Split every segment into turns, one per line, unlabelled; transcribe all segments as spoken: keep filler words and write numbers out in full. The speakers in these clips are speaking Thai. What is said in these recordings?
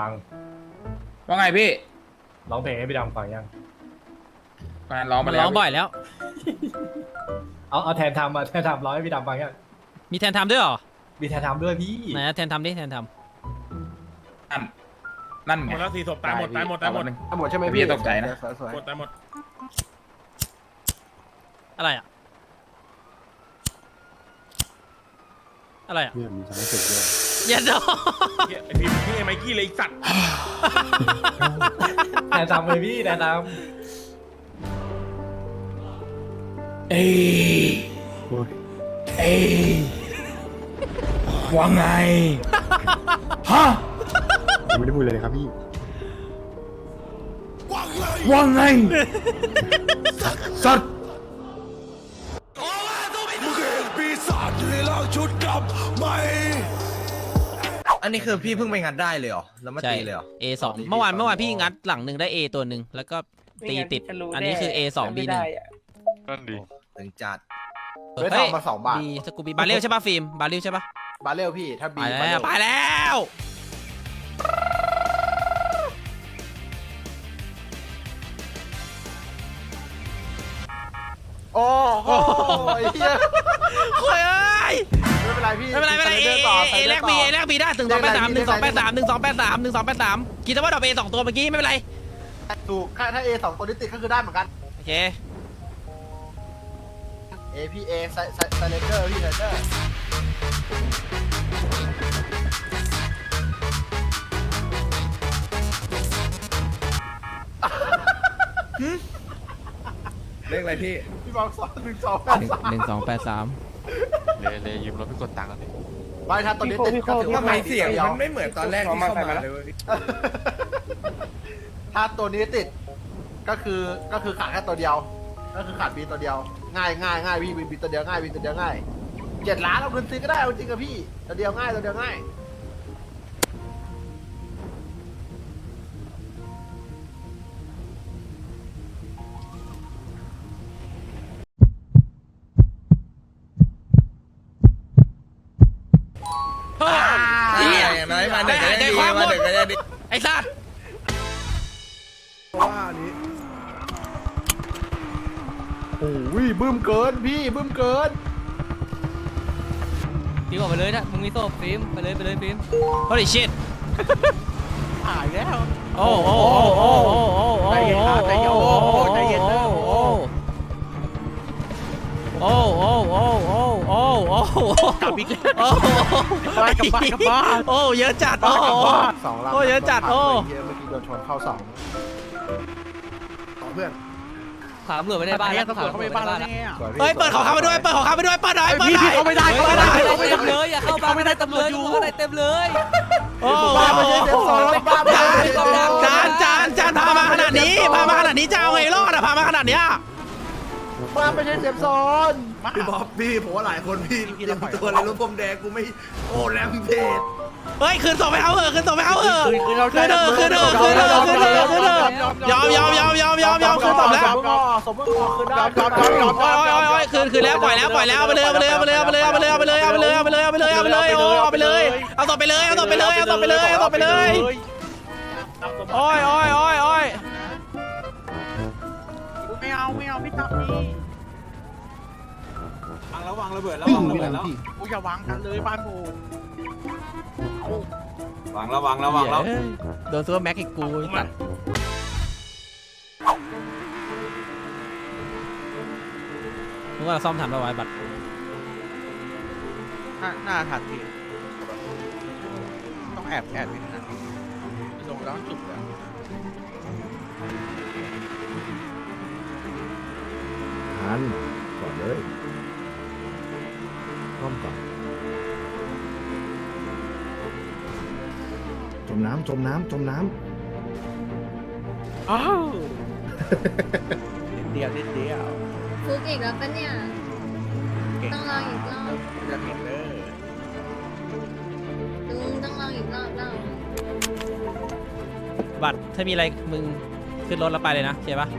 ฟัง
ว่าไงพี่
ร้องเพลงให้พี่ดำฟังยัง
งานร้องมา
มัน
แล้ว
ร้องบ่อยแล้ว
เอาเอาแทนทำมาแทนทำร้องให้พี่ดำฟังยัง
มีแทนทำด้วยเหรอ
มีแทนทำด้วยพี่
ไหนนะแทนทำดิแทนท
นั่นนั่น
ห
ไง
มดแล้วสี่ศพตายหมดตายหมดตายหมด
ทั้งหมดใช่ไหม
พี่
พี่
ตกใจนะ
สวยๆ
หมดตายหมด
ำอะไรอ่ะอะไรอ่ะ
เนี่ยมีช้างศึกด้วย
อย่าดอ
เหี้ยไอพิมพ์พี่ไอ้ไมกี้เลยไอ้สัตว์
แทนทำเลยพี่แทนท
เอ้ย
โอ้ย
เอ้ยว่าไงฮะ
ยังไม่ได้พูดเลยนะครับพี่
ว่าไงสัตว์
อันนี้คือพี่เพิ่งไปงัดได้เลยเหรอแล้วมา
ใช่
ตีเลยเหรอ
A สองเมื่อวานเมื่อวานพี่งัดหลังหนึ่งได้ A ตัวหนึ่งแล้วก็ตีติดอันนี้คือ A สอง B หนึ่ง
นั่นดี
ถึงจัด
เฮ้ย
ทองมาสองบาท
ดีสกูบีบาเรลใช่ป่ะฟิล์มบาเรลใช่ป่ะ
บาเรลพี่ถ้า
ไป
บี
แล้วไปแล้ว
โอ้โหเฮีย
โอ้ยเอ้ย
ไม่เป็นไรพี่
ไม่เป็นไรไม่เป็นไรเอ
ต่อ
เอแลกบีเอแลกบีได้หนึ่งสองแปดสามหนึ่งสองแปดสามหนึ่งสองแปดสามหนึ่งสองแปดสามคิดว่าดอกเอสองตัวเมื่อกี้ไม่เป็นไร
ถูกถ้า A สองตัวนี้ติดก็คือได้เหมือนกัน
โอเค
A พี่ A ไซไซไซเลเกอร์พี่ไซเลเกอร์
เลขอะไรพี่
พี่บอกสองหนึ่งสองแปด
หนึ่ง
สาม
หนึ่งสองแปดสาม
เลยเลยยืมรถไปกดตังค์กันดิ
ไม่ถ้าตัวนี้ติดก็ถือว่า
ทำไมเสียงมันไม่เหมือนตอนแรกที่เข้ามาเลย
ถ้าตัวนี้ติดก็คือก็คือขาดแค่ตัวเดียว ก็คือขาดบีตัวเดียว ง่ายง่ายง่ายพี่บีตัวเดียวง่ายบีตัวเดียวง่ายเจ็ดล้านเอาเงินซื้อก็ได้เอาจริงกับพี่ตัวเดียวง่ายตัวเดียวง่าย
เฮ้ย
อย่างน้อยมาหนึ่งก็ยัง
ใจ
ดี
ความหม
มา
ด
หนึ่งก็ยังดี
ไอ้สัส
ว่าอันนี้โอ้ยบึ้มเกินพี่บึ้มเกิน
ฟิล์มออกไปเลยนะมึงมีโซ่ฟิล์มไปเลยไปเลยฟิล์ม
holy shit
หายแล้ว
โอ้โอ้โอ้โอ้โอ้โอ้โอ้
ใจเย็นครับใจเย็นโอ้โหใจเย็นเด้อ
โอ้โอ้โอ้โอ้โอ้โอ้โอ้กลับอีกแล้วโอ้
ไปกลับบ้านกลับบ้าน
โอ้เยอะจัดโอ้
สองลำ
โอ้เยอะจัดโอ้
เมื่อกี้โดนชนเข้าสองต่อเพื่อน
ถามตำรวจไม่ได้บ้านแล้วถามตำรวจไม่ได้บ้านแล้ว
สวยพี่
เฮ้ยเปิดของเขาไปด้วยเปิดของเขาไปด้วยเปิดหน่อยเปิดหน่อย
พี่เขาไม่ได้เขาไม่ได้
เต็มเลยอย่าเข้าบ้านไม่ได้ตำรวจอยู่ข้างในเต็มเลย
โอ้
บ้านไม่ใช่เซฟโซนบ้านไม่ใช่เซฟโซน
จานจานจานพามาขนาดนี้พามาขนาดนี้จะเอาไงรอดอะพามาขนาดเนี้ย
บ้านไม่ใช่เซฟโซน
พี่บ๊อบพี่ผมว่าหลายคนพี่เตรียมตัวเลยรู้ผมแดงกูไม่โอ้แรมเพจ
เฮ้ยคืนส่งไปเขาเหอะคืนส่งไปเขาเหอะคืนเถอะคืนเถอะคืนเถอะคืนเถอะคืนเถอะคืนเถอะยอมยอมยอมยอมยอมยอมคืนส่งแล้ว
สมมติคืนได้ยอมยอมยอม
โอ้ยโอ้ยโอ้ยคืนคืนแล้วปล่อยแล้วปล่อยแล้วเอาไปเลยเอาไปเลยเอาไปเลยเอาไปเลยเอาไปเลยเอาไปเลยเอาไปเลยเอาไปเลยเอาไปเลยเอาไปเลยโอ้เอาไปเลยเอาต่อไปเลยเอาต่อไปเลยเอาต่อไปเลยเอาต่อไปเลยโอ้ยโอ้ยโอ้ยโอ้ย
ไม่เอาไม่เอาพี่ตับนี่
วางแล้ววางระเบิดแล้ววางระเบิดแล้ว
กูอย่าวางกันเลยบ้านกู
วางแล้ววางแล้ววางแล้ว
โดนซัวแม็กอีกกูตัดมึงว่าเราซ่อมทันป่าวไอ้บัตร
หน้าถัดพี่ต้องแอบแอบนิดนึงลงแล้วจุดแล้ว
ทันก่อนเลยพร้อมก่อนจมน้ำจมน้ำจมน้
อ้าวนิดเดียวนิดเดียว
ฟุกอีกแล้วปะเนี่ย ต้องลองอีกรอบ
จะเห็นเลย
ลุงต้องลองอีกรอบแล้ว
บัตรถ้ามีอะไรมึงขึ้นรถแล้วไปเลยนะเข้าปะ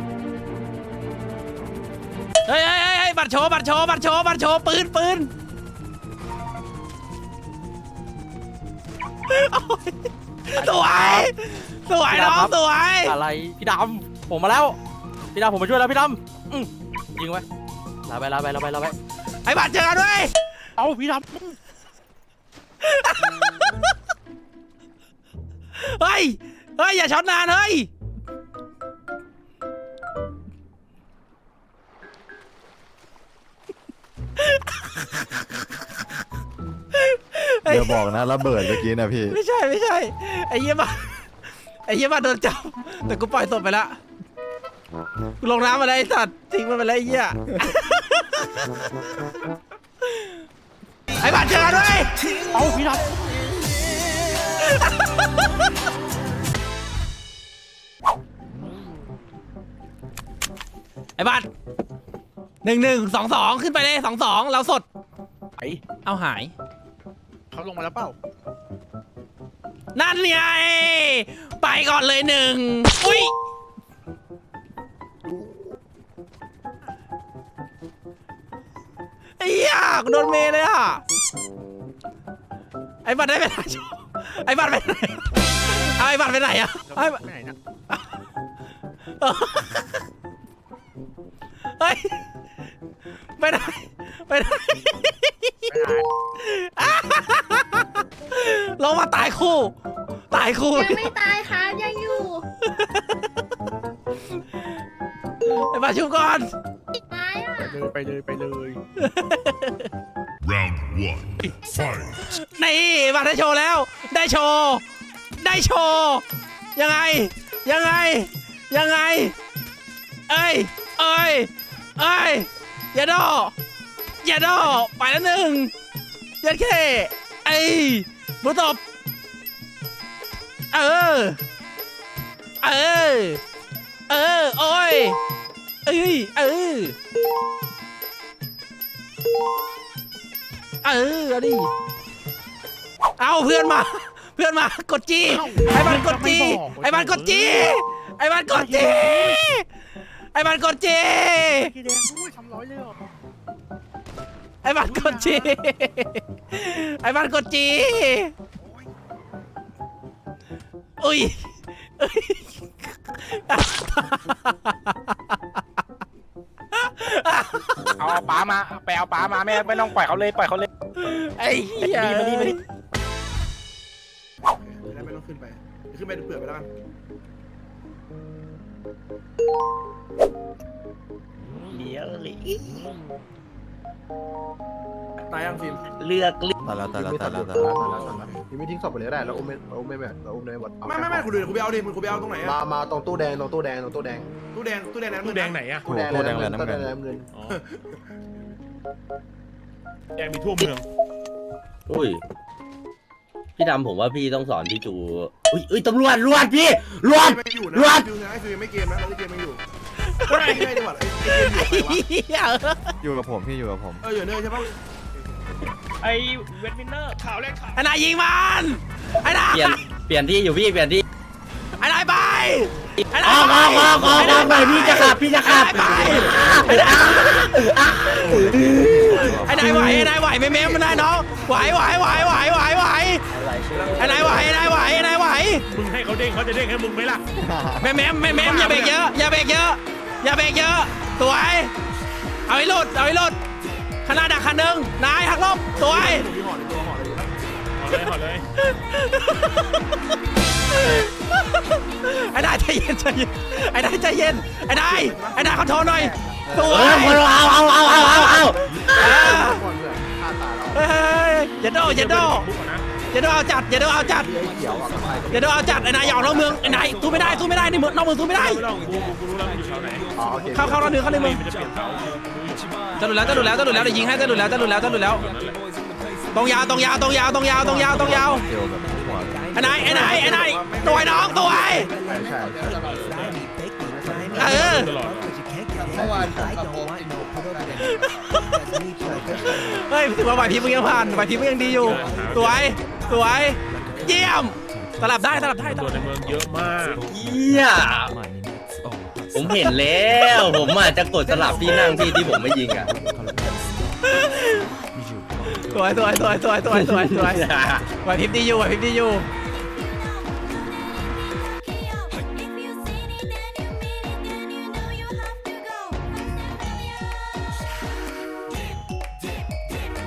เฮ้ยเฮ้ยเฮ้ยบัตรโชว์บัตรโชว์บัตรโชว์บัตรโชว์ปืนปืนโอ้ยสวยสวยน้องสวย
อะไรพี่ดำผมมาแล้วพี่ดำผมมาช่วยแล้วพี่ดำอืมยิงไว้ลาไปลาไปลาไปลาไป
ไอ้บัตรเจอกันด้วย
เอาพี่ด
เฮ้ยเฮ้ยอย่าช็อตนานเฮ้ยเฮ้ย
อย่าบอกนะระเบิดเมื่อกี้นะพี่
ไม่ใช่ไม่ใช่ไอ้เหี้ยบัตรไอ้เหี้ยบัตรโดนจับแต่กูปล่อยศพไปละกูลงน้ำมาแล้วไอ้สัตว์ทิ้งมันไปแล้วไอ้เหี้ยไอ้บัตรเจอกันด้วย
ำเอาพี่ด
ไอ้บัตรหนึ่งหนึ่งสองสองขึ้นไปเลยสองสองเราสด
ำไอ
เอาหาย
เขาลงมาแล้วเปล่า
นั่นไงไปก่อนเลยหนึ่งอุ้ยไอ้เหี้ยกูโดนเมย์เลยอ่ะไอ้บัตรได้ไปไหนไอ้บัตรไปไหนเอาไอ้บัตรไปไหนอ่ะไอ้บัตร
ไปไหนนะ
เฮ้ยไปไหนไปไหนลงมาตายคู่ตายคู่
ยังไม่ตายครับยังอยู่
ไอ้บัตรชุบก่อน
ตายอ่ะ
ไปเลยไปเลย
round one fight
นี่บัตรได้โชว์แล้ว ได้โชว์ ได้โชว์ ยังไง ยังไง ยังไง เอ้ย เอ้ย เอ้ย อย่าดออย่าดอไปแล้วหนึ่งยัดแค่ไอ้บุตบเออ เออ เออ โอ้ย เอ้ย เออ เออเอาดิเอาเพื่อนมา เพื่อนมากดจีไอ้บ้านกดจีไอ้บ้านกดจีไอ้บ้านกดจีไอ้บ้านกดจี
พี่แดงด้วยทำร้อยเลยเหรอ
ไอ้บ้านกดจีไอ้บ้านกดจีอุ้ยอุ้ย
เอาป๋ามาไปเอาป๋ามาไม่ไม่ต้องปล่อยเขาเลยปล่อยเขาเลย
ไอ้เหี้ย
มาดิมาดิมาดิ
ไม่ต้องขึ้นไปขึ้นไปเผื่อไปแล้วกันเลี้ยวเลยตายยังฟิล์ม
เลือกเลือก
ตายแล้วตายแล้วตายแล้วตายแล้ว
ยังไม่ทิ้งศพไปเลยก็ได้แล้วอุ้มไม่อุ้มไม่แบบอุ้มในบท
ไม่ไม่ไม่คุณดูคุณไปเอาดิคุณไปเอาตรงไหน
มา
อะ
มาตรงตู้แดงตรงตู้แดงตรงตู้แดง
ตู้แดงตู้แดงน้ำ
ตู้แดงไหนอะ
ตู้แดง
ตู้แดงเลย
ตู้
น้ำ
แด
เงิน
งน้ำเงิน
อ๋อแดงมีทั่วเมือง
อุ้ยพี่ดำผมว่าพี่ต้องสอนพี่จูอุ้ยอุ้ยตำรวจรวจพี่รวจ
ไม่อยู่นะ
รวด
ฟิล์มไอ้ฟิล์มไม่เกมนะไอ้เกมไม่อยู่ไม่ไม่ดีกว่าไอ้เกมอยู่ไปวะ
เหี้ย
อยู่กับผมพี่อยู่กับผม
เอออยู่เนยใช่ปะ
ไอเวทมินเนอร์ข่าวแรกข่าว
ไอ้นายยิงมันไอ้นาย
เปลี่ยนเปลี่ยนที่อยู่พี่เปลี่ยนที่
ไอ้นายไปไอ้
ออกออกออกออกออกหน่อยพี่จะขับพี่จะขับ
ไปไอ้นายไหวไอ้นายไหวไม่เม้มมันนายน้องไหวไหวไหวไหวไหวไหวไอ้นายไหวไอ้นายไหวไอ้นายไหว
มึงให้เขาเด้งเขาจะเด้งให้มึงไหมล่ะ
ไม่เม้มไม่เม้มอย่าเบรกเยอะอย่าเบรกเยอะอย่าเบรกเยอะสวยเอาให้หลุดเอาให้หลุดขนาดดักคันหนึ่งนายหักลบสวย
มีห่อในตัวห่อเลยนะ
ขอเลยขอเลย
ไอ้นายใจเย็นใจเย็นไอ้นายใจเย็นไอ้นายไอ้นายเขาโทรหน่อยส
เอ
วย
อคนเอาเอาเอาเอาเอาเอา
ก่อนเพื่อนฆ่าตาเรา
เฮ้ยอย่าโดอย่าโด
บุ๊กก่อนนะ
อย่าโดเอาจัดอย่าโดเอาจัด
ไอ้เขียวอ่ะกับใคร
อย่าโดเอาจัดไอ้นายอย่าออกนอกเมืองไอ้นายสู้ไม่ได้สู้ไม่ได้ในเมืองนอกเมืองสู้ไม่ได้
ไม่ต้องกูกูกูรู้แล้วมันอยู่แถวไหน
อ๋อโอเค
เข้าเข้านอกเมืองเข้าในเมือง
มันจะเปลี่ยนเสา
จะหลุดแล้วจะหลุดแล้วจะหลุดแล้วเดี๋ยวยิงให้จะหลุดแล้วจะหลุดแล้วจะหลุดแล้วตรงยาวตรงยาวตรงยาวตรงยาวตรงยาวตรงยาว
เดียวแบบหัว
ไอ้นายไอ้นายไอ้นายตัวไอ้น้องตัวไอ้
ใช่ใช่ใช่
เออ
ตลอด
เมื่อวานผมกับโอ๊ต
เฮ้ยถือว่าไหวพริบมึงยังผ่านไหวพริบมึงยังดีอยู่สวยสวยเยี่ยมสลับได้สลับได้ส
ตัว
ลับ
ในเมืองเยอะมาก
เยี่ยผมเห็นแล้วผมอาจจะกดสลับที่นั่งที่ที่ผมไม่ยิงอ่ะ
สวยสวยสวยสวยสวยสวยสวยไหวพริบดีอยู่ไหวพริบดีอยู่